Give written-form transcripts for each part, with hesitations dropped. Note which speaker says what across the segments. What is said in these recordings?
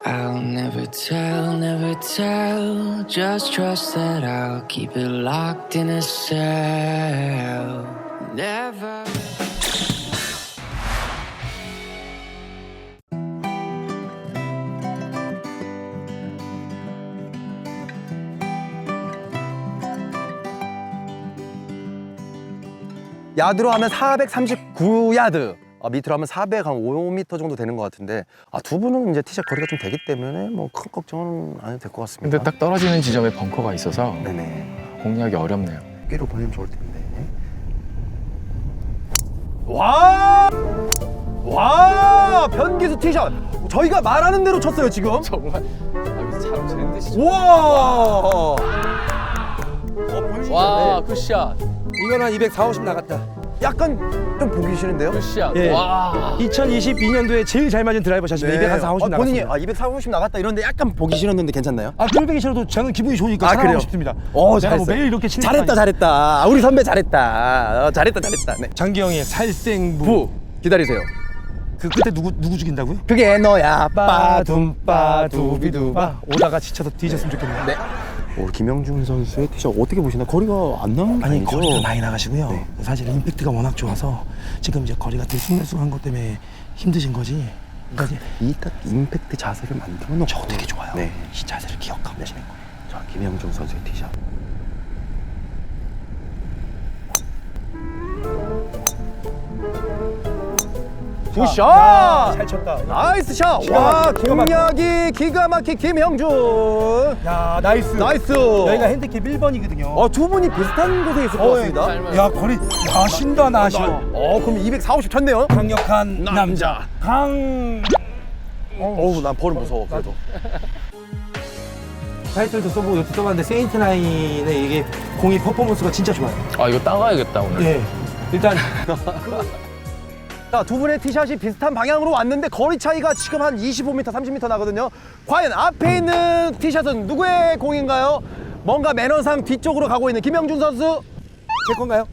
Speaker 1: I'll never tell. Just trust that I'll keep it locked in a cell. Never.
Speaker 2: 야드로 하면 439야드, 밑으로 하면 405m 정도 되는 것 같은데, 두 분은 이제 티샷 거리가 좀 되기 때문에 뭐 큰 걱정은 안 해도 될 것 같습니다.
Speaker 3: 근데 딱 떨어지는 지점에 벙커가 있어서
Speaker 2: 네네.
Speaker 3: 공략이 어렵네요.
Speaker 2: 꾀로 보내면 좋을 텐데. 와! 변기수 티샷! 저희가 말하는 대로 쳤어요, 지금.
Speaker 3: 정말 잘 치는 듯이.
Speaker 2: 우와!
Speaker 3: 와, 굿샷.
Speaker 4: 이건 한 240, 50 나갔다.
Speaker 2: 약간 좀 보기 싫은데요?
Speaker 3: 굿샷.
Speaker 4: 예.
Speaker 3: 와.
Speaker 4: 2022년도에 제일 잘 맞은 드라이버 샷입니다. 240, 50
Speaker 2: 본인이
Speaker 4: 나갔습니다.
Speaker 2: 240, 50 나갔다 이런데 약간 보기 싫었는데 괜찮나요?
Speaker 4: 꼴보기 싫어도 저는 기분이 좋으니까
Speaker 2: 아,
Speaker 4: 사랑하고
Speaker 2: 그래요?
Speaker 4: 싶습니다.
Speaker 2: 제가
Speaker 4: 제가 뭐 매일 이렇게 치는 건
Speaker 2: 잘했다. 우리 선배 잘했다. 잘했다. 네.
Speaker 4: 장기영의 살생부.
Speaker 2: 부 기다리세요.
Speaker 4: 그 끝에 누구 죽인다고요?
Speaker 2: 그게 너야.
Speaker 4: 빠둠빠두비두바. 오다가 지쳐서 뒤졌으면 좋겠네요.
Speaker 2: 네. 김영중 선수의 티샷 어떻게 보시나? 거리가 안 나온 거
Speaker 4: 아니
Speaker 2: 아니죠?
Speaker 4: 거리가 많이 나가시고요.
Speaker 2: 네.
Speaker 4: 사실 임팩트가 워낙 좋아서 지금 이제 거리가 들쑥날쑥한 것 때문에 힘드신 거지. 그러니까 이제
Speaker 2: 이딱 임팩트 자세를 만들어 놓고
Speaker 4: 저거 되게 좋아요.
Speaker 2: 네.
Speaker 4: 이 자세를 기억하고 계시는 거예요.
Speaker 2: 자, 김영중 선수의 티샷. 굿샷!
Speaker 4: 잘 쳤다.
Speaker 2: 나이스 샷!
Speaker 4: 기가
Speaker 2: 와,
Speaker 4: 막히게, 기가 막히게.
Speaker 2: 공략이 기가 막힌 김영준!
Speaker 4: 야 나이스.
Speaker 2: 나이스!
Speaker 4: 여기가 핸디캡 1번이거든요.
Speaker 2: 두 분이 비슷한 곳에 있을 것 같습니다.
Speaker 4: 야 거리 야신다 나셔.
Speaker 2: 그럼 240 쳤네요?
Speaker 4: 강력한 남자.
Speaker 2: 어우, 난 벌은 무서워, 그래도.
Speaker 4: 타이틀도 써보고 이것도 써봤는데 세인트9의 이게 공이 퍼포먼스가 진짜 좋아요.
Speaker 3: 아, 이거 따가야겠다, 오늘.
Speaker 4: 예. 일단
Speaker 2: 자, 두 분의 티샷이 비슷한 방향으로 왔는데 거리 차이가 지금 한 25m, 30m 나거든요. 과연 앞에 있는 티샷은 누구의 공인가요? 뭔가 매너상 뒤쪽으로 가고 있는 김영준 선수.
Speaker 4: 제 건가요?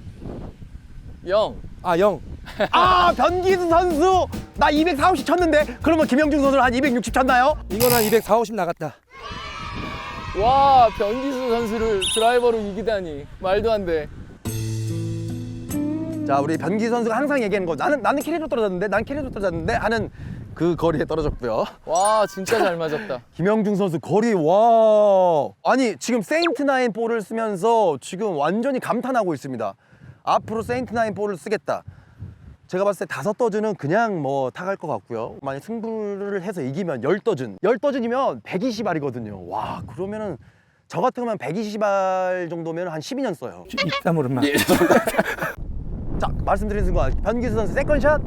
Speaker 3: 영.
Speaker 4: 아 0.
Speaker 2: 변기수 선수. 나 240 쳤는데 그러면 김영준 선수는 한 260 쳤나요?
Speaker 4: 이건 한 240, 50 나갔다.
Speaker 3: 와, 변기수 선수를 드라이버로 이기다니. 말도 안 돼.
Speaker 2: 자, 우리 변기수 선수가 항상 얘기하는 거, 나는 캐리로 떨어졌는데 하는 그 거리에 떨어졌고요.
Speaker 3: 와, 진짜 잘 맞았다.
Speaker 2: 김영중 선수 거리, 와, 아니 지금 세인트9 볼을 쓰면서 지금 완전히 감탄하고 있습니다. 앞으로 세인트9 볼을 쓰겠다. 제가 봤을 때 5더즌은 그냥 뭐 타갈 것 같고요. 만약 승부를 해서 이기면 10더즌이면 120알이거든요. 와, 그러면은 저 같은 거면 120알 정도면 한 12년 써요.
Speaker 4: 입담 오른마.
Speaker 2: 예. 자, 말씀드린 순간 변기수 선수 세컨샷.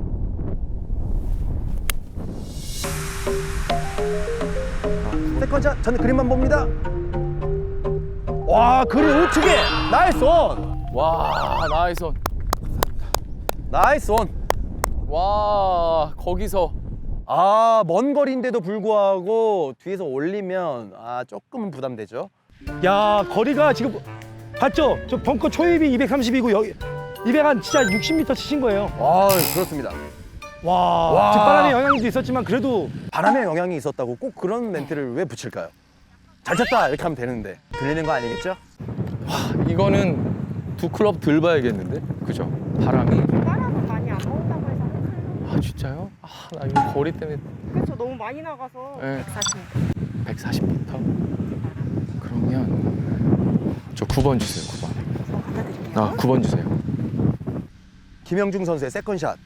Speaker 2: 세컨샷, 저는 그림만 봅니다. 와, 그림 우측에 나이스 온.
Speaker 3: 와, 나이스 온.
Speaker 2: 나이스 온.
Speaker 3: 와, 거기서.
Speaker 2: 먼 거리인데도 불구하고 뒤에서 올리면 조금은 부담되죠.
Speaker 4: 야 거리가 지금 봤죠? 저 벙커 초입이 230이고 여기 200한 진짜 60m 치신 거예요.
Speaker 2: 그렇습니다.
Speaker 4: 와. 뒷바람의 영향도 있었지만 그래도
Speaker 2: 바람의 영향이 있었다고 꼭 그런 멘트를 왜 붙일까요? 잘 쳤다 이렇게 하면 되는데 들리는 거 아니겠죠?
Speaker 3: 이거는 두 클럽 들 봐야겠는데? 그죠? 바람이.
Speaker 5: 바람은 많이 안 나온다고 해서
Speaker 3: 아, 진짜요? 나 이거 거리 때문에.
Speaker 5: 그렇죠. 너무 많이 나가서
Speaker 3: 네.
Speaker 5: 140m
Speaker 3: 140m? 그러면 저 9번 주세요, 9번.
Speaker 5: 갖다 드릴게요.
Speaker 3: 9번 주세요.
Speaker 2: 김영중 선수의 세컨샷.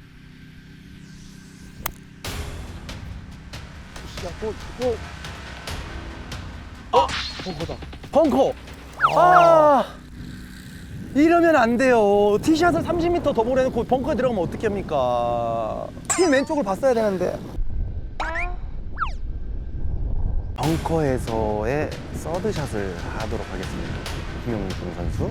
Speaker 2: 벙커. 이러면 안 돼요. 티샷을 30m 더 보내놓고 벙커에 들어가면 어떻게 합니까? 핀 왼쪽을 봤어야 되는데. 벙커에서의 서드샷을 하도록 하겠습니다. 김영중 선수.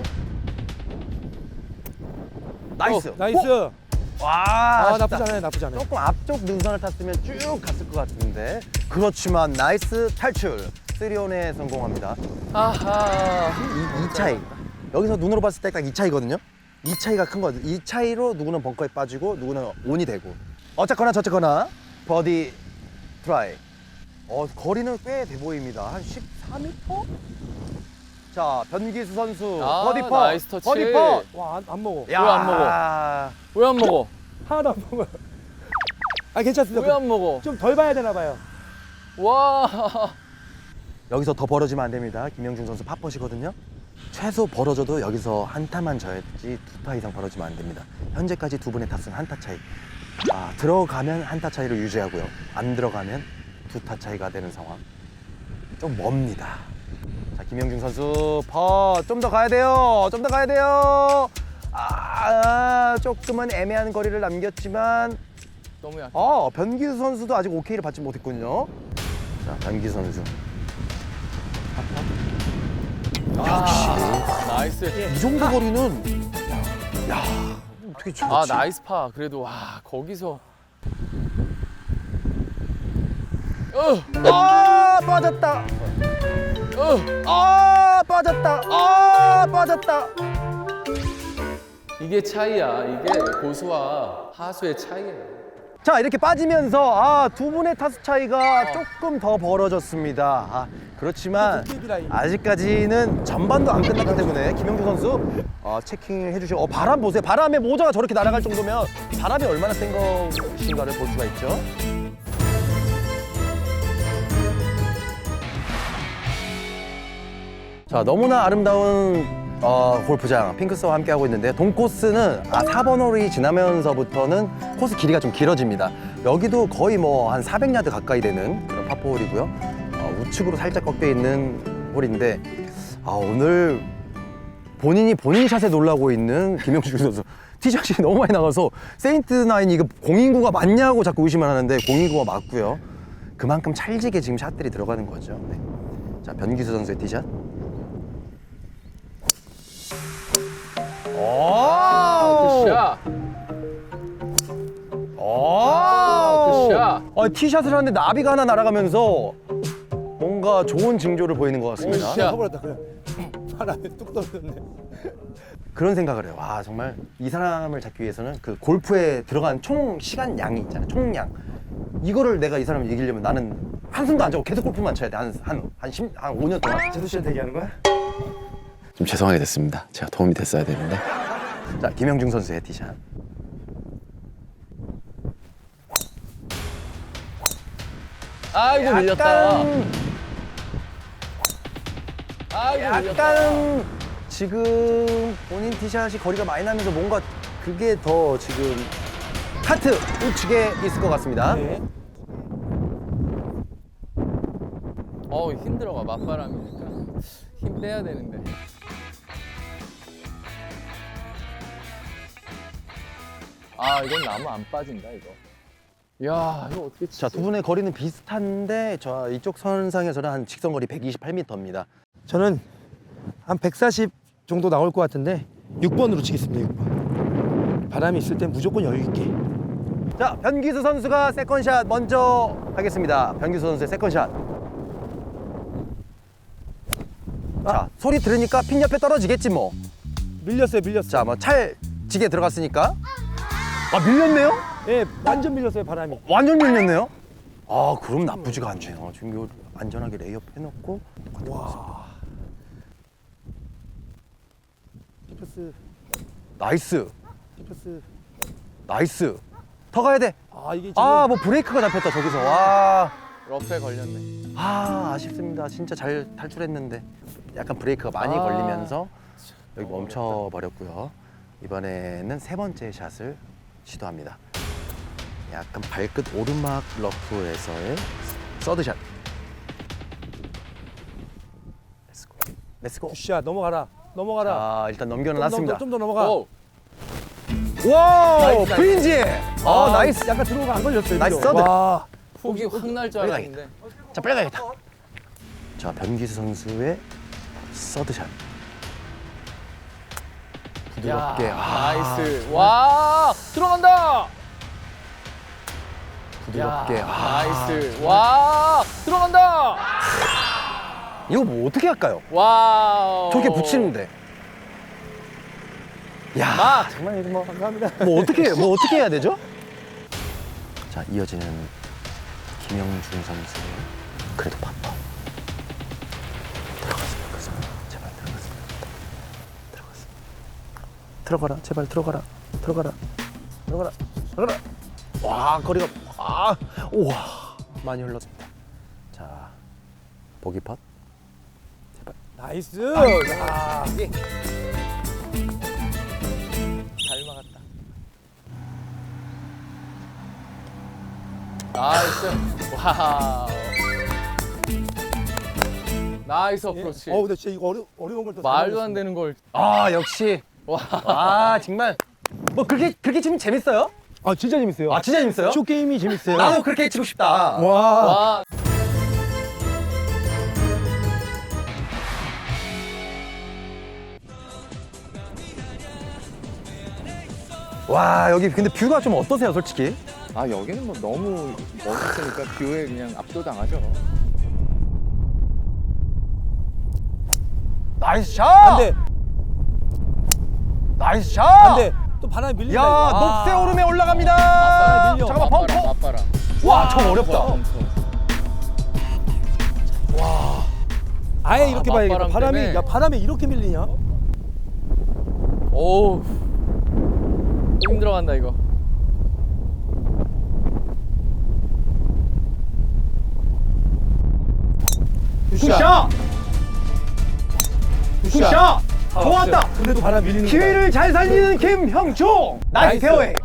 Speaker 2: 나이스.
Speaker 4: 나이스.
Speaker 2: 와, 아쉽다.
Speaker 4: 나쁘지 않아요. 나쁘지 않아요.
Speaker 2: 조금 앞쪽 능선을 탔으면 쭉 갔을 것 같은데. 그렇지만 나이스 탈출. 3온에 성공합니다.
Speaker 3: 아하.
Speaker 2: 이 차이. 여기서 눈으로 봤을 때 딱 이 차이거든요. 이 차이가 큰 거죠. 이 차이로 누구는 벙커에 빠지고 누구는 온이 되고. 어쨌거나 저쨌거나 버디 트라이. 거리는 꽤 돼 보입니다. 한 14m? 자, 변기수 선수
Speaker 3: 아,
Speaker 2: 버디 퍼.
Speaker 3: 나이스 터치.
Speaker 2: 버디 퍼.
Speaker 4: 와, 안 먹어.
Speaker 2: 야.
Speaker 3: 왜 안 먹어? 왜 안 먹어?
Speaker 4: 하나도 안 먹어요. 아, 괜찮습니다.
Speaker 3: 왜 안 먹어?
Speaker 4: 좀 덜 봐야 되나 봐요.
Speaker 3: 와.
Speaker 2: 여기서 더 벌어지면 안 됩니다. 김영중 선수 팝퍼시거든요. 최소 벌어져도 여기서 한 타만 져야지 2타 이상 벌어지면 안 됩니다. 현재까지 두 분의 타수는 한 타 차이. 들어가면 한 타 차이를 유지하고요. 안 들어가면 2타 차이가 되는 상황. 좀 멉니다. 자, 김영중 선수 좀 더 가야 돼요. 좀 더 가야 돼요. 조금은 애매한 거리를 남겼지만
Speaker 3: 너무 약해.
Speaker 2: 변기수 선수도 아직 오케이를 받지 못했군요. 자, 변기수 선수.
Speaker 3: 나이스.
Speaker 2: 이 정도 거리는 어떻게 저렇지?
Speaker 3: 나이스 파. 그래도 와, 거기서
Speaker 2: 빠졌다. 빠졌다. 빠졌다.
Speaker 3: 이게 차이야. 이게 고수와 하수의 차이야.
Speaker 2: 자, 이렇게 빠지면서 두 분의 타수 차이가 조금 더 벌어졌습니다. 그렇지만 아직까지는 전반도 안 끝났기 때문에 김영주 선수 체킹을 해주시고 바람 보세요. 바람에 모자가 저렇게 날아갈 정도면 바람이 얼마나 센 것인가를 볼 수가 있죠. 자, 너무나 아름다운 골프장 핑크스와 함께하고 있는데 동코스는 4번 홀이 지나면서부터는 코스 길이가 좀 길어집니다. 여기도 거의 뭐 한 400야드 가까이 되는 그런 파포홀이고요. 우측으로 살짝 꺾여 있는 홀인데 오늘 본인이 본인 샷에 놀라고 있는 김영주 선수 티샷이 너무 많이 나가서 세인트9이 이거 공인구가 맞냐고 자꾸 의심을 하는데 공인구가 맞고요. 그만큼 찰지게 지금 샷들이 들어가는 거죠. 네. 자, 변기수 선수의 티샷.
Speaker 3: 굿샷. 굿샷.
Speaker 2: 티샷을 하는데 나비가 하나 날아가면서 뭔가 좋은 징조를 보이는 것 같습니다.
Speaker 3: 굿샷.
Speaker 4: 커버렸다 그냥. 바람에 뚝 떨어졌네.
Speaker 2: 그런 생각을 해요. 정말 이 사람을 잡기 위해서는 그 골프에 들어간 총 시간 양이 있잖아요. 총량. 이거를 내가 이 사람을 이기려면 나는 한숨도 안 자고 계속 골프만 쳐야 돼. 한 5년 동안.
Speaker 4: 제수 씨한테 얘기하는 거야?
Speaker 2: 좀 죄송하게 됐습니다. 제가 도움이 됐어야 되는데. 자, 김영중 선수의 티샷.
Speaker 3: 아이고 밀렸다. 아이고 밀렸다.
Speaker 2: 약간 지금 본인 티샷이 거리가 많이 나면서 뭔가 그게 더 지금 카트 우측에 있을 것 같습니다.
Speaker 4: 네.
Speaker 3: 힘들어가. 맞바람이니까 힘 빼야 되는데. 이건 나무 안 빠진다 이거. 야, 이거 어떻게 치지?
Speaker 2: 자, 두 분의 거리는 비슷한데 이쪽 선상에서는 한 직선거리 128m입니다.
Speaker 4: 저는 한 140 정도 나올 것 같은데 6번으로 치겠습니다. 6번. 바람이 있을 땐 무조건 여유 있게.
Speaker 2: 자, 변기수 선수가 세컨샷 먼저 하겠습니다. 변기수 선수의 세컨샷. 자, 소리 들으니까 핀 옆에 떨어지겠지 뭐.
Speaker 4: 밀렸어요.
Speaker 2: 자, 뭐 찰지게 들어갔으니까. 밀렸네요?
Speaker 4: 예, 완전 밀렸어요. 바람이.
Speaker 2: 완전 밀렸네요? 그럼 나쁘지가 않네요. 지금 이거 안전하게 레이업 해놓고.
Speaker 4: 와. 피퍼스.
Speaker 2: 나이스.
Speaker 4: 피퍼스.
Speaker 2: 나이스. 더 가야 돼.
Speaker 4: 이게 지금
Speaker 2: 뭐 브레이크가 잡혔다, 저기서. 와.
Speaker 3: 러프에 걸렸네.
Speaker 2: 아쉽습니다. 진짜 잘 탈출했는데. 약간 브레이크가 많이 걸리면서 여기 멈춰버렸고요. 이번에는 세 번째 샷을 시도합니다. 약간 발끝 오르막 러프에서의 서드샷. 렛츠고. 렛츠고.
Speaker 4: 굿샷. 넘어가라.
Speaker 2: 자, 일단 넘겨놨습니다.
Speaker 4: 좀 더 넘어가.
Speaker 3: 오.
Speaker 2: 와우!
Speaker 3: 나이스,
Speaker 2: 프린지! 나이스.
Speaker 4: 약간 들어오가 안 걸렸어요.
Speaker 2: 나이스
Speaker 4: 여기로.
Speaker 2: 서드.
Speaker 4: 와.
Speaker 3: 폭이 확 날 줄
Speaker 2: 빨리
Speaker 3: 알았는데.
Speaker 2: 자, 빨리 가야겠다. 자, 변기수 선수의 서드샷. 부드럽게.
Speaker 3: 나이스. 와, 들어간다.
Speaker 2: 부드럽게.
Speaker 3: 나이스. 와, 들어간다.
Speaker 2: 이거 뭐 어떻게 할까요?
Speaker 3: 와우.
Speaker 2: 저렇게 붙이는데. 야, 정말 이거 뭐
Speaker 4: 감사합니다.
Speaker 2: 어떻게 해야 되죠? 자, 이어지는 김영준 선수 그래도 바빠. 들어갔으면 좋겠습니다. 제발 들어갔으면 좋겠다. 들어갔으면. 들어가라. 제발 들어가라. 들어가라. 들어가라. 들어가라. 와 거리가 우와 많이 흘렀습니다. 자 보기 팟. 제발.
Speaker 4: 나이스.
Speaker 3: 야, 이게 잘 막았다. 나이스. 와우. 나이스 어프로치.
Speaker 4: 근데 진짜 이거 어려운 걸또
Speaker 3: 말도 안 되는 걸.
Speaker 2: 역시.
Speaker 3: 와.
Speaker 2: 정말 뭐 그렇게 치면 재밌어요?
Speaker 4: 진짜 재밌어요.
Speaker 2: 진짜 재밌어요?
Speaker 4: 쇼 게임이 재밌어요.
Speaker 2: 나도 그렇게 치고 싶다.
Speaker 3: 와.
Speaker 2: 와 여기 근데 뷰가 좀 어떠세요 솔직히?
Speaker 3: 아 여기는 뭐 너무 멋있으니까 뷰에 그냥 압도당하죠.
Speaker 2: 나이스 샷!
Speaker 4: 안돼.
Speaker 2: 나이스 샷!
Speaker 4: 안돼. 또 바람이 밀린다.
Speaker 2: 야
Speaker 4: 이거.
Speaker 2: 녹세 오름에 올라갑니다.
Speaker 3: 맞바람 밀려.
Speaker 2: 잠깐만 벙커.
Speaker 3: 맞바람.
Speaker 2: 와 저 어렵다.
Speaker 4: 아예 이렇게 봐야겠다.
Speaker 3: 맞바람
Speaker 4: 바람이
Speaker 3: 때문에.
Speaker 4: 바람에 이렇게 밀리냐?
Speaker 3: 오. 힘들어간다 이거.
Speaker 2: 굿샷! 굿샷! 좋았다.
Speaker 4: 근데도 바람 밀리는
Speaker 2: 기회를 잘 살리는 김형중. 나이스 페어웨이.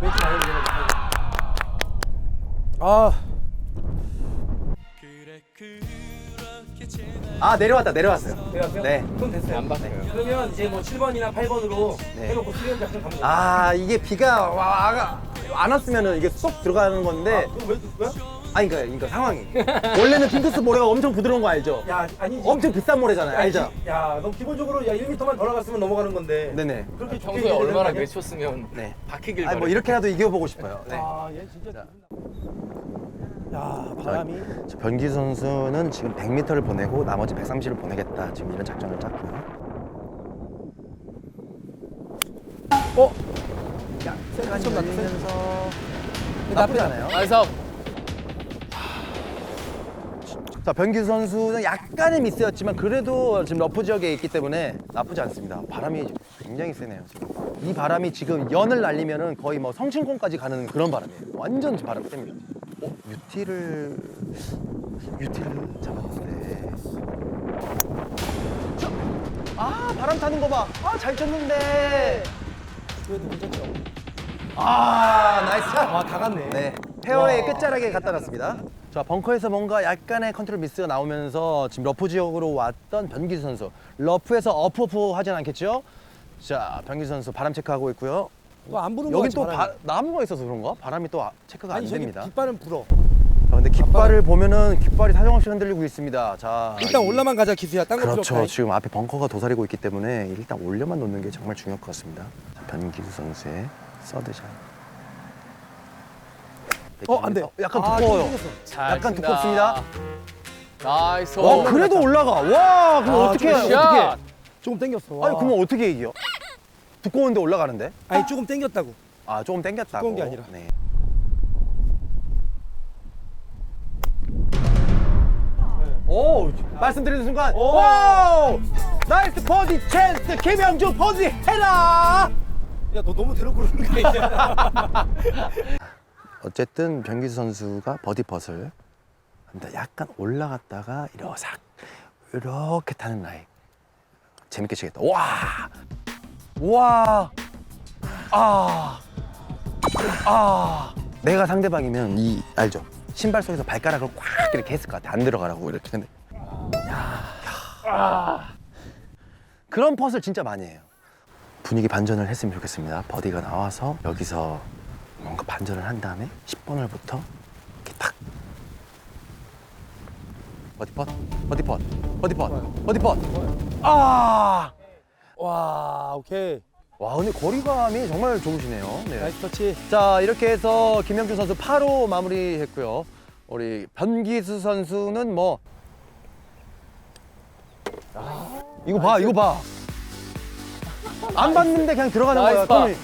Speaker 2: 내려왔어요. 네.
Speaker 4: 그럼 됐어요.
Speaker 3: 안 바꿔요.
Speaker 4: 그러면 이제 뭐 7번이나 8번으로
Speaker 2: 네.
Speaker 4: 해놓고 수련 작전 가면
Speaker 2: 이게 비가 안 왔으면은 이게 쏙 들어가는 건데.
Speaker 4: 왜?
Speaker 2: 그러니까 상황이. 원래는 핑크스 모래가 엄청 부드러운 거 알죠?
Speaker 4: 야 아니지.
Speaker 2: 엄청 비싼 모래잖아요. 알죠?
Speaker 4: 야, 너 기본적으로 1m만 더 나갔으면 넘어가는 건데.
Speaker 2: 네네.
Speaker 4: 그렇게 좋게
Speaker 3: 평소에
Speaker 4: 얘기해야 되는 거
Speaker 3: 얼마나
Speaker 4: 아니야?
Speaker 3: 외쳤으면
Speaker 2: 네.
Speaker 3: 박히길 바래.
Speaker 2: 뭐 이렇게라도 이겨보고 싶어요. 네.
Speaker 4: 얘 진짜. 야, 바람이.
Speaker 2: 저 변기 선수는 지금 100m를 보내고 나머지 130을 보내겠다. 지금 이런 작전을 짰고요. 약간 열리면서 나쁘지 않아요.
Speaker 3: 나이스.
Speaker 2: 자, 변기 선수는 약간의 미스였지만 그래도 지금 러프 지역에 있기 때문에 나쁘지 않습니다. 바람이 굉장히 세네요. 지금. 이 바람이 지금 연을 날리면은 거의 뭐 성층권까지 가는 그런 바람이에요. 완전 바람 셉니다. 유티를 잡았는데. 바람 타는 거 봐. 잘 쳤는데.
Speaker 4: 그래도 괜찮죠.
Speaker 2: 나이스 샷.
Speaker 4: 다 갔네.
Speaker 2: 네, 페어웨이 끝자락에 갖다 놨습니다. 자, 벙커에서 뭔가 약간의 컨트롤 미스가 나오면서 지금 러프 지역으로 왔던 변기수 선수. 러프에서 어프 하진 않겠죠? 자, 변기수 선수 바람 체크하고 있고요.
Speaker 4: 또 안 부는 거
Speaker 2: 여기
Speaker 4: 같지,
Speaker 2: 또
Speaker 4: 바람이.
Speaker 2: 나무가 있어서 그런가? 바람이 또 체크가 안
Speaker 4: 아니 저기
Speaker 2: 됩니다.
Speaker 4: 깃발은 불어.
Speaker 2: 자, 근데 깃발을 보면은 깃발이 사정없이 흔들리고 있습니다. 자,
Speaker 4: 일단 올라만 가자 기수야. 딴거 필요
Speaker 2: 그렇죠.
Speaker 4: 없다.
Speaker 2: 지금 앞에 벙커가 도사리고 있기 때문에 일단 올려만 놓는 게 정말 중요할 것 같습니다. 자, 변기수 선수의 서드샷.
Speaker 4: 안 돼.
Speaker 2: 약간
Speaker 4: 좀
Speaker 2: 두꺼워요.
Speaker 4: 생겼어.
Speaker 3: 잘
Speaker 2: 약간
Speaker 3: 친다.
Speaker 2: 두껍습니다.
Speaker 3: 나이스.
Speaker 2: 그래도 올라가. 와, 그럼 어떻게 해요?
Speaker 3: 굿샷.
Speaker 2: 어떻게?
Speaker 4: 조금 당겼어.
Speaker 2: 아니, 그러면 어떻게 이겨? 두꺼운데 올라가는데?
Speaker 4: 아니 조금 당겼다고.
Speaker 2: 조금 당겼다고.
Speaker 4: 두꺼운 게 아니라.
Speaker 2: 네. 오, 말씀드리는 순간. 오! 나이스 버디 찬스. 김영준 버디 해라.
Speaker 4: 야, 너 너무 대놓고 그러는 거 아니야?
Speaker 2: 어쨌든 변기수 선수가 버디 펫을 합니다. 약간 올라갔다가 이렇게 타는 라인. 재밌게 치겠다. 와! 내가 상대방이면 알죠? 신발 속에서 발가락을 꽉 이렇게 했을 것 같아. 안 들어가라고 이렇게. 근데 그런 펫을 진짜 많이 해요. 분위기 반전을 했으면 좋겠습니다. 버디가 나와서 여기서 뭔가 반전을 한 다음에 10번을부터 이렇게 탁 버디펫.
Speaker 4: 와, 오케이.
Speaker 2: 와, 근데 거리감이 정말 좋으시네요. 네.
Speaker 4: 나이스 터치.
Speaker 2: 자, 이렇게 해서 김영준 선수 8호 마무리했고요. 우리 변기수 선수는 뭐 이거 봐. 안 봤는데 그냥 들어가는 거야.
Speaker 3: 나이스 파.
Speaker 2: 그럼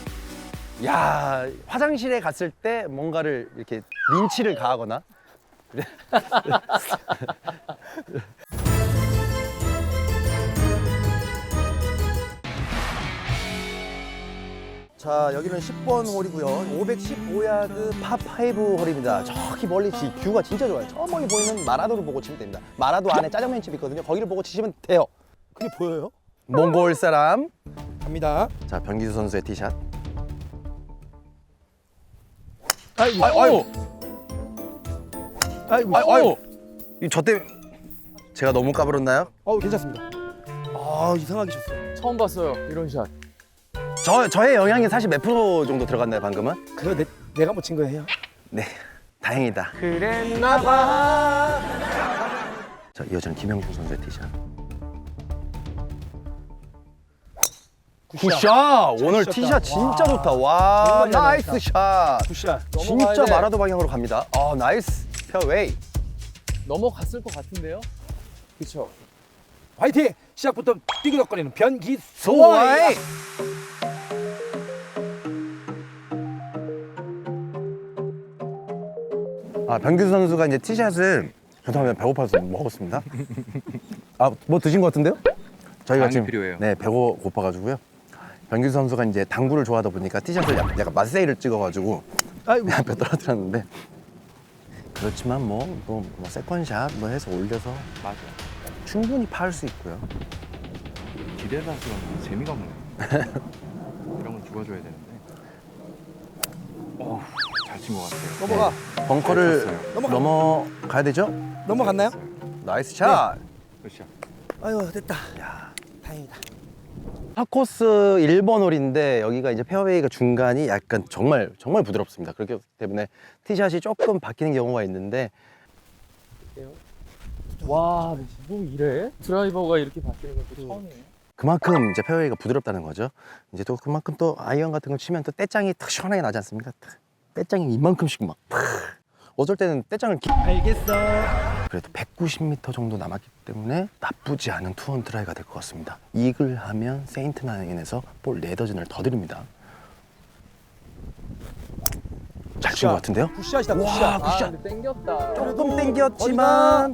Speaker 2: 야, 화장실에 갔을 때 뭔가를 이렇게 린치를 가하거나 자, 여기는 10번 홀이고요. 515야드 파5 홀입니다. 저기 멀리 뷰가 진짜 좋아요. 저 멀리 보이는 마라도를 보고 치면 됩니다. 마라도 안에 짜장면집 있거든요. 거기를 보고 치시면 돼요.
Speaker 4: 그게 보여요?
Speaker 2: 몽골 사람.
Speaker 4: 갑니다.
Speaker 2: 자, 변기수 선수의 티샷.
Speaker 4: 아이고.
Speaker 2: 아유,
Speaker 4: 아이고.
Speaker 2: 아유. 저 때문에 제가 너무 까불었나요?
Speaker 4: 괜찮습니다. 이상하게 쳤어요.
Speaker 3: 처음 봤어요 이런 샷.
Speaker 2: 저의 영향이 사실 몇 프로 정도 들어갔나요, 방금은?
Speaker 4: 그래 내가 못 친 거예요.
Speaker 2: 네, 다행이다.
Speaker 4: 그랬나봐.
Speaker 2: 자, 이어지는 김영중 선수의 티샷. 굿샷! 오늘
Speaker 4: 잘
Speaker 2: 티샷
Speaker 4: 치셨다.
Speaker 2: 진짜 좋다. 와,
Speaker 4: 정말 잘
Speaker 2: 나이스 샷.
Speaker 4: 굿샷.
Speaker 3: 넘어가야
Speaker 2: 진짜
Speaker 3: 돼.
Speaker 2: 마라도 방향으로 갑니다. 나이스 페어웨이.
Speaker 3: 넘어갔을 것 같은데요? 그쵸?
Speaker 4: 화이팅! 시작부터 삐그덕거리는 변기수.
Speaker 2: 소와이. 변기수 선수가 이제 티샷을 죄송합니다. 배고파서 먹었습니다. 뭐 드신 것 같은데요? 저희가
Speaker 6: 많이
Speaker 2: 지금
Speaker 6: 필요해요.
Speaker 2: 네, 배고파가지고요. 변기수 선수가 이제 당구를 좋아하다 보니까 티샷을 약간 맛세일을 찍어가지고
Speaker 4: 아이고.
Speaker 2: 내 앞에 떨어뜨렸는데 그렇지만 뭐 세컨샷 뭐 해서 올려서
Speaker 6: 맞아.
Speaker 2: 충분히 파할 수 있고요.
Speaker 6: 기대라서 재미가 없네. 이런 건 죽어줘야 되는데. 잘 친 것 같아요.
Speaker 4: 넘어가.
Speaker 2: 벙커를
Speaker 6: 잘 쳤어요.
Speaker 2: 넘어가야 되죠?
Speaker 4: 넘어갔나요?
Speaker 2: 나이스 샷.
Speaker 6: 그렇죠.
Speaker 4: 아이고 됐다. 다행이다.
Speaker 2: 파코스 1번 홀인데 여기가 이제 페어웨이가 중간이 약간 정말 부드럽습니다. 그렇기 때문에 티샷이 조금 바뀌는 경우가 있는데
Speaker 3: 와, 뭐 이래? 드라이버가 이렇게 바뀌는 건 또 처음이에요.
Speaker 2: 그만큼 이제 페어웨이가 부드럽다는 거죠. 이제 또 그만큼 또 아이언 같은 걸 치면 또 떼짱이 탁 시원하게 나지 않습니까? 떼짱이 이만큼씩 막 어쩔 때는 떼짱을
Speaker 4: 알겠어.
Speaker 2: 그래도 190m 정도 남았기 때문에 나쁘지 않은 투원 트라이가 될 것 같습니다. 이글 하면 세인트 나인에서 볼 4더즌을 더 드립니다. 잘 친 것 같은데요?
Speaker 4: 굿샷이다.
Speaker 2: 와,
Speaker 4: 굿샷.
Speaker 2: 굿샷.
Speaker 3: 근데 땡겼다.
Speaker 2: 조금 땡겼지만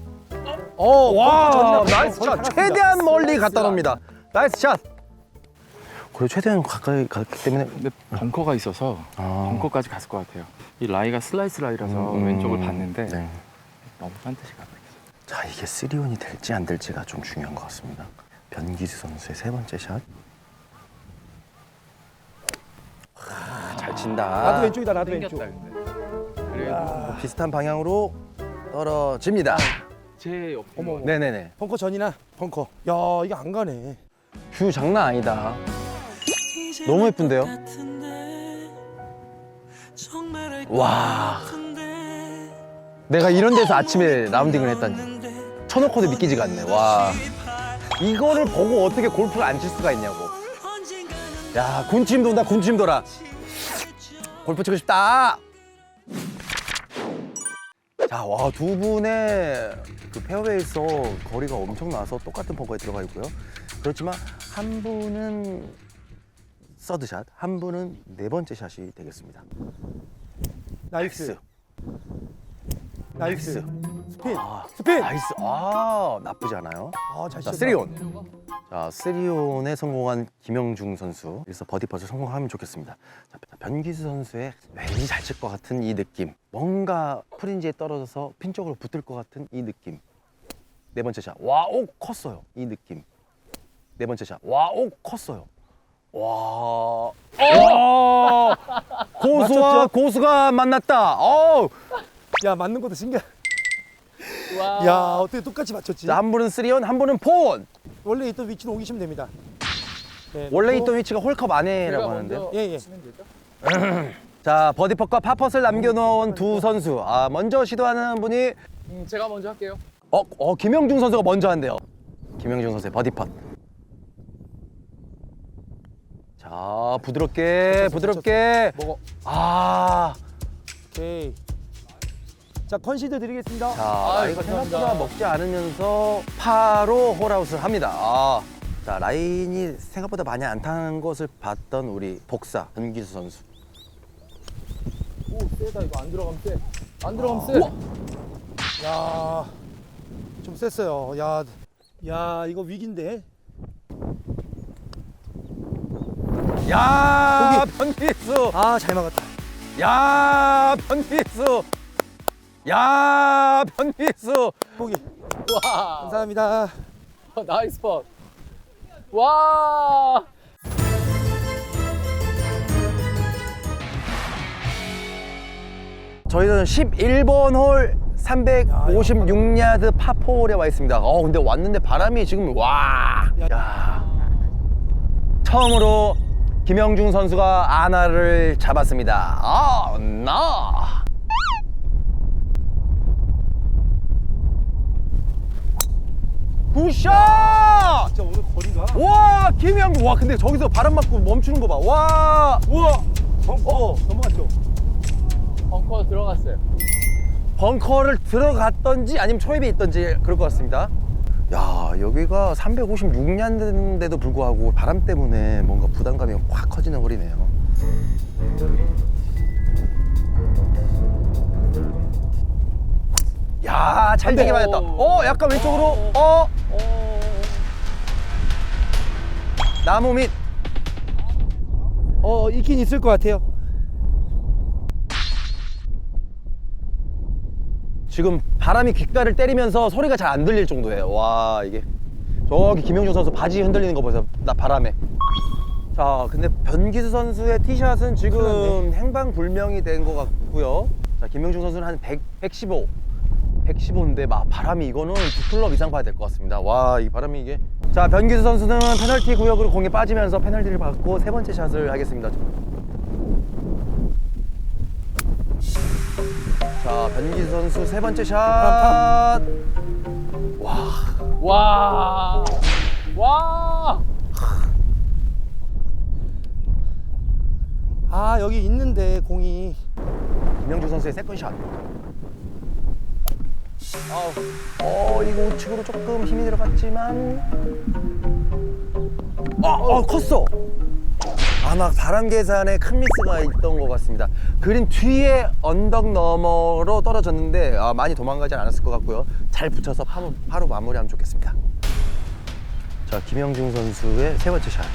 Speaker 4: 와,
Speaker 2: 와, 나이스 샷. 최대한 멀리 갖다 놓습니다. 나이스 샷. 그래 최대한 가까이 갔기 때문에
Speaker 6: 근데 벙커가 있어서 벙커까지 갔을 것 같아요. 이 라이가 슬라이스 라이라서 왼쪽을 봤는데
Speaker 2: 네.
Speaker 6: 너무 반드시 가고 있어요.
Speaker 2: 자, 이게 3온이 될지 안 될지가 좀 중요한 것 같습니다. 변기수 선수의 3번째 샷. 잘 친다.
Speaker 4: 나도 왼쪽이다. 나도 왼쪽.
Speaker 6: 땡겼다 근데. 그래도
Speaker 2: 비슷한 방향으로 떨어집니다.
Speaker 6: 제 옆에
Speaker 4: 어머.
Speaker 2: 네네네.
Speaker 4: 벙커 전이나 벙커. 야 이게 안 가네.
Speaker 2: 뷰 장난 아니다. 너무 예쁜데요? 와. 내가 이런 데서 아침에 라운딩을 했다니. 쳐놓고도 믿기지가 않네. 와. 이거를 보고 어떻게 골프를 안 칠 수가 있냐고. 야, 군침 돈다, 군침 돌아. 골프 치고 싶다. 자, 와, 두 분의 그 페어웨이에서 거리가 엄청 나서 똑같은 벙커에 들어가 있고요. 그렇지만 한 분은 서드샷, 한 분은 4번째 샷이 되겠습니다.
Speaker 4: 나이스. 나이스. 스핀.
Speaker 2: 아,
Speaker 4: 스핀.
Speaker 2: 나이스. 나쁘지 않아요.
Speaker 4: 잘
Speaker 2: 자,
Speaker 4: 치셨다.
Speaker 2: 3온. 자, 3온에 성공한 김영중 선수. 그래서 버디 퍼즈 성공하면 좋겠습니다. 자, 변기수 선수의 왠지 잘 칠 것 같은 이 느낌. 뭔가 프린지에 떨어져서 핀 쪽으로 붙을 것 같은 이 느낌. 4번째 샷. 와, 컸어요. 이 느낌. 4번째 샷. 와, 컸어요. 와. 고수와
Speaker 4: 맞췄죠?
Speaker 2: 고수가 만났다.
Speaker 4: 야 맞는 것도 신기해.
Speaker 3: 와.
Speaker 4: 야 어떻게 똑같이 맞췄지?
Speaker 2: 자, 한 분은 3온, 한 분은 4온.
Speaker 4: 원래 있던 위치로 옮기시면 됩니다. 네,
Speaker 2: 원래
Speaker 4: 놓고.
Speaker 2: 있던 위치가 홀컵
Speaker 3: 제가
Speaker 2: 안에라고
Speaker 3: 먼저
Speaker 2: 하는데요.
Speaker 4: 예, 예.
Speaker 3: 치면 되죠?
Speaker 2: 자, 버디펫과 파펫을 남겨놓은 두 선수. 먼저 시도하는 분이
Speaker 3: 제가 먼저 할게요.
Speaker 2: 김영중 선수가 먼저 한대요. 김영중 선수의 버디펫. 자, 부드럽게.
Speaker 4: 먹어. 오케이. 자 컨시드 드리겠습니다.
Speaker 2: 자, 라이가
Speaker 3: 감사합니다.
Speaker 2: 생각보다 먹지 않으면서 파로 홀아웃을 합니다. 자, 라인이 생각보다 많이 안 타는 것을 봤던 우리 복사 변기수 선수.
Speaker 3: 오, 세다. 이거 안 들어가면 세. 안 들어가면 세.
Speaker 4: 야, 좀 셌어요. 야, 이거 위기인데.
Speaker 2: 야, 변기수.
Speaker 4: 아, 잘 막았다.
Speaker 2: 야, 변기수. 야, 변기수.
Speaker 4: 포기.
Speaker 3: 와.
Speaker 4: 감사합니다.
Speaker 3: 나이스 팟. 와.
Speaker 2: 저희는 11번 홀 356야드 파4홀에 와 있습니다. 근데 왔는데 바람이 지금 야. 처음으로 김영중 선수가 아나를 잡았습니다. 나. 굿샷!
Speaker 4: 진짜 오늘 거리가.
Speaker 2: 와, 김영중. 와, 근데 저기서 바람 맞고 멈추는 거 봐. 와.
Speaker 4: 우와. 넘어갔죠.
Speaker 3: 벙커 들어갔어요.
Speaker 2: 벙커를 들어갔던지 아니면 초입에 있던지 그럴 것 같습니다. 야, 여기가 356야드인데도 불구하고 바람 때문에 뭔가 부담감이 확 커지는 홀이네요. 야, 잘 되게 맞았다. 약간 왼쪽으로. 나무 밑.
Speaker 4: 있긴 있을 것 같아요.
Speaker 2: 지금 바람이 귓가를 때리면서 소리가 잘 안 들릴 정도예요. 와, 이게 저기 김영중 선수 바지 흔들리는 거 보세요. 나 바람에. 자, 근데 변기수 선수의 티샷은 지금 행방불명이 된 것 같고요. 자, 김영중 선수는 한 115인데 바람이 이거는 2클럽 이상 봐야 될 것 같습니다. 와, 이 바람이 이게. 자, 변기수 선수는 페널티 구역으로 공이 빠지면서 페널티를 받고 세 번째 샷을 하겠습니다. 자, 변기수 선수 세 번째 샷.
Speaker 3: 와. 와.
Speaker 4: 아, 여기 있는데 공이.
Speaker 2: 김영중 선수의 세컨샷. 이거 우측으로 조금 힘이 들어갔지만. 컸어. 아마 바람 계산에 큰 미스가 있던 것 같습니다. 그린 뒤에 언덕 너머로 떨어졌는데 많이 도망가지 않았을 것 같고요. 잘 붙여서 바로 마무리하면 좋겠습니다. 자, 김영중 선수의 세 번째 샷.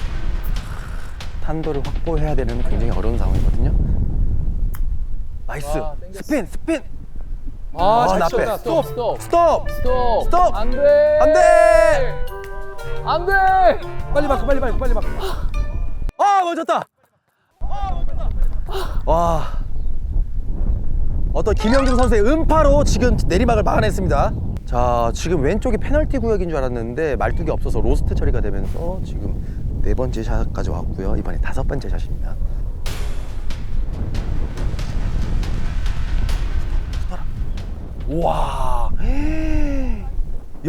Speaker 2: 탄도를 확보해야 되는 굉장히 어려운 상황이거든요. 나이스.
Speaker 3: 땡겼어.
Speaker 2: 스핀.
Speaker 4: 잘
Speaker 2: 나 빼.
Speaker 4: 쳤다.
Speaker 3: 스톱.
Speaker 2: 스톱.
Speaker 3: 안 돼.
Speaker 2: 안 돼.
Speaker 3: 안 돼.
Speaker 4: 빨리 막.
Speaker 2: 멈췄다. 와. 어떤 김영중 선수의 음파로 지금 내리막을 막아냈습니다. 자, 지금 왼쪽이 페널티 구역인 줄 알았는데 말뚝이 없어서 로스트 처리가 되면서 지금 네 번째 샷까지 왔고요. 이번에 다섯 번째 샷입니다. 우와. 야.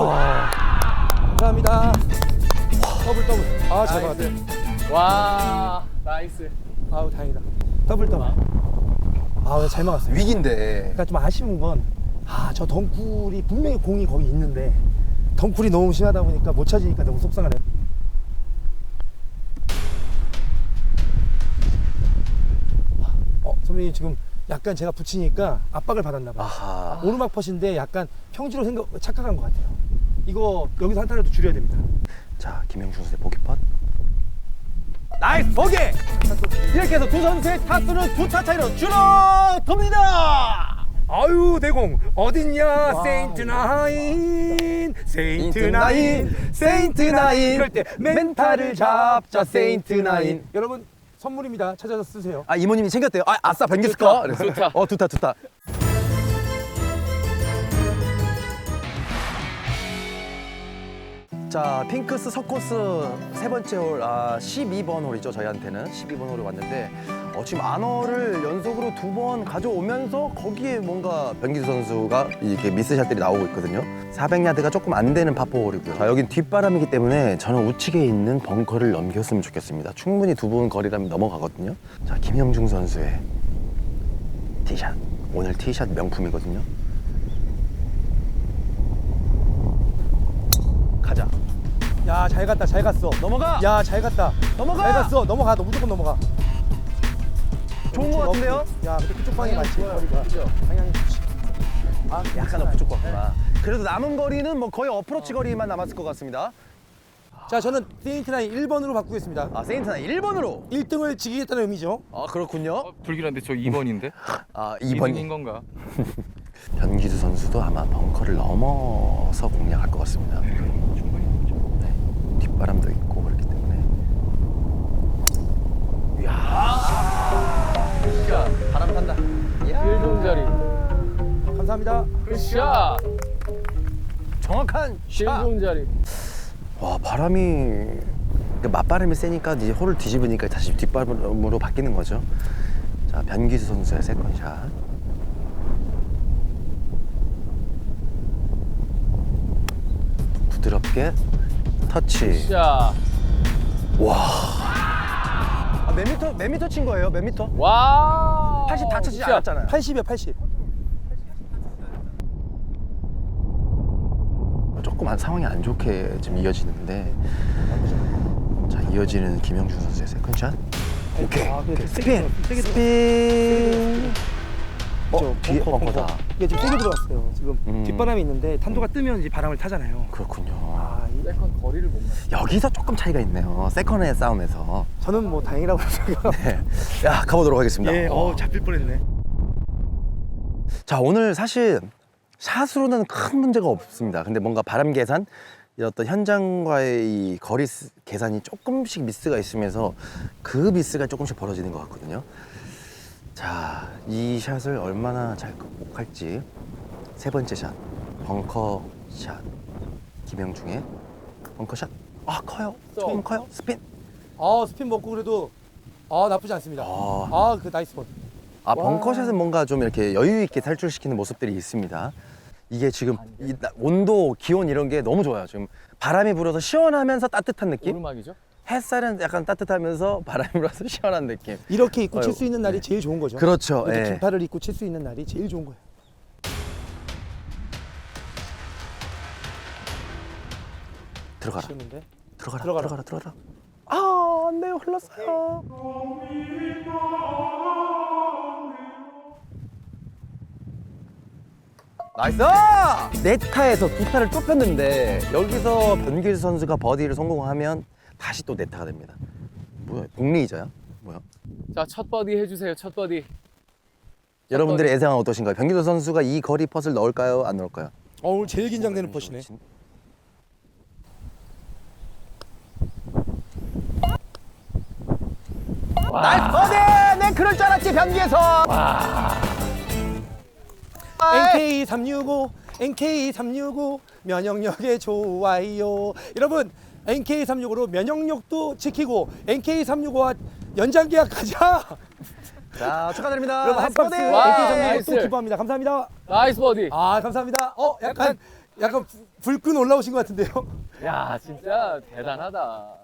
Speaker 4: 감사합니다. 더블. 아, 잘 막았네.
Speaker 3: 와. 나이스.
Speaker 4: 아우, 다행이다. 더블. 아, 잘 막았어요.
Speaker 2: 위기인데.
Speaker 4: 그러니까 좀 아쉬운 건, 저 덩쿨이 분명히 공이 거기 있는데 덩쿨이 너무 심하다 보니까 못 찾으니까 너무 속상하네요. 선배님 지금 약간 제가 붙이니까 압박을 받았나 봐요.
Speaker 2: 아하.
Speaker 4: 오르막 퍼신데 약간 평지로 착각한 것 같아요. 이거 여기서 한 타라도 줄여야 됩니다.
Speaker 2: 자, 김영중 선수의 보기 펫. 나이스 보기! 이렇게 해서 두 선수의 타수는 2타 차이로 줄어듭니다!
Speaker 4: 아유, 내공 어딨냐? 세인트9
Speaker 2: 세인트9
Speaker 4: 그럴 때 멘탈을 잡자 세인트9. 여러분 선물입니다. 찾아서 쓰세요.
Speaker 2: 이모님이 챙겼대요. 아싸, 변기수 거.
Speaker 3: 좋다.
Speaker 2: 두타. 자, 핑크스 서코스 세 번째 홀, 12번 홀이죠. 저희한테는 12번 홀에 왔는데 지금 아너를 연속으로 2번 가져오면서 거기에 뭔가 변기수 선수가 이렇게 미스샷들이 나오고 있거든요. 400야드가 조금 안 되는 파4 홀이고요. 자, 여긴 뒷바람이기 때문에 저는 우측에 있는 벙커를 넘겼으면 좋겠습니다. 충분히 2분 거리라면 넘어가거든요. 자, 김영중 선수의 티샷. 오늘 티샷 명품이거든요. 가자.
Speaker 4: 야, 잘 갔다. 잘 갔어.
Speaker 2: 넘어가.
Speaker 4: 야, 잘 갔다.
Speaker 2: 넘어가.
Speaker 4: 잘 갔어. 넘어가. 너 무조건 넘어가.
Speaker 2: 좋은 것 같은데요?
Speaker 4: 야, 근데 그쪽 방이 맞지? 거리가. 방향이 좋지.
Speaker 2: 약간 어프 쪽 같구나. 그래도 남은 거리는 뭐 거의 어프로치 거리만 남았을 것 같습니다.
Speaker 4: 자, 저는 세인트나인 1번으로 바꾸겠습니다.
Speaker 2: 아, 세인트나 1번으로.
Speaker 4: 1등을 지키겠다는 의미죠.
Speaker 2: 아, 그렇군요.
Speaker 6: 불길한데 저 2번인데?
Speaker 2: 아,
Speaker 6: 2등인
Speaker 2: 2번이.
Speaker 6: 건가?
Speaker 2: 변기수 선수도 아마 벙커를 넘어서 공략할 것 같습니다. 네, 뒷바람도 있고 그렇기 때문에. 이야, 바람 탄다. 이야.
Speaker 3: 제일 좋은 자리.
Speaker 4: 감사합니다.
Speaker 3: 굿샷.
Speaker 2: 정확한
Speaker 3: 제일
Speaker 2: 샷.
Speaker 3: 좋은 자리.
Speaker 2: 와, 바람이 그러니까 맞바람이 세니까 이제 홀을 뒤집으니까 다시 뒷바람으로 바뀌는 거죠. 자, 변기수 선수의 세컨샷. 부드럽게 터치.
Speaker 3: 굿샷.
Speaker 2: 아, 몇 미터 친 거예요? 몇 미터?
Speaker 3: 와.
Speaker 2: 80 다 치지
Speaker 3: 굿샷.
Speaker 2: 않았잖아요.
Speaker 4: 80이요, 80.
Speaker 2: 조금 상황이 안 좋게 지금 이어지는데, 자, 이어지는 김영준 선수의 세컨샷. 오케이.
Speaker 4: 그래도
Speaker 2: 스핀.
Speaker 4: 세게
Speaker 2: 스핀.
Speaker 4: 저
Speaker 2: 뒤에 벙커다.
Speaker 4: 이게 좀 세게 들어갔어요. 지금 뒷바람이 있는데 탄도가 뜨면 이제 바람을 타잖아요.
Speaker 2: 그렇군요.
Speaker 4: 아,
Speaker 3: 세컨 거리를 못 맞.
Speaker 2: 여기서 조금 차이가 있네요. 세컨의 싸움에서.
Speaker 4: 저는 뭐 다행이라고 생각해요.
Speaker 2: 네. 야, 가보도록 하겠습니다.
Speaker 4: 예, 잡힐 뻔했네.
Speaker 2: 자, 오늘 사실 샷으로는 큰 문제가 없습니다. 근데 뭔가 바람 계산, 이 어떤 현장과의 이 거리 계산이 조금씩 미스가 있으면서 그 미스가 조금씩 벌어지는 것 같거든요. 자, 이 샷을 얼마나 잘 극복할지. 세 번째 샷, 벙커 샷. 김영중의 벙커 샷. 아, 커요. 조금 커요. 스핀.
Speaker 4: 스핀 먹고 그래도 나쁘지 않습니다. 그 나이스 번.
Speaker 2: 아, 벙커샷은 뭔가 좀 이렇게 여유 있게 탈출시키는 모습들이 있습니다. 이게 지금 이 온도, 기온 이런 게 너무 좋아요. 지금 바람이 불어서 시원하면서 따뜻한 느낌?
Speaker 3: 오르막이죠?
Speaker 2: 햇살은 약간 따뜻하면서 바람이 불어서 시원한 느낌.
Speaker 4: 이렇게 입고 칠
Speaker 2: 아이고,
Speaker 4: 수 있는 날이 제일 좋은 거죠.
Speaker 2: 그렇죠.
Speaker 4: 이렇게
Speaker 2: 예.
Speaker 4: 긴팔을 입고 칠 수 있는 날이 제일 좋은 거예요.
Speaker 2: 들어가라.
Speaker 4: 치는데
Speaker 2: 들어가라. 아, 안 돼요. 흘렀어요. 나이스! 네타에서 두 타를 좁혔는데 여기서 변기수 선수가 버디를 성공하면 다시 또 네타가 됩니다. 뭐야? 공리이자야? 뭐야?
Speaker 3: 자, 첫 버디 해주세요. 첫 버디.
Speaker 2: 여러분들의 예상은 어떠신가요? 변기수 선수가 이 거리 펫을 넣을까요? 안 넣을까요?
Speaker 4: 오늘 제일 긴장되는 퍼시네.
Speaker 2: 나이스 버디! 내 그럴 줄 알았지, 변기에서!
Speaker 4: NK365 NK365 면역력에 좋아요. 여러분 NK365로 면역력도 지키고 NK365와 연장 계약하자.
Speaker 2: 자, 축하드립니다.
Speaker 4: 여러분 한
Speaker 2: 나이스
Speaker 4: 박스
Speaker 2: 버디!
Speaker 3: 와,
Speaker 4: NK365
Speaker 3: 나이스.
Speaker 4: 또 기부합니다. 감사합니다.
Speaker 3: 나이스 버디.
Speaker 4: 감사합니다. 약간 불끈 올라오신 것 같은데요.
Speaker 3: 야, 진짜 대단하다.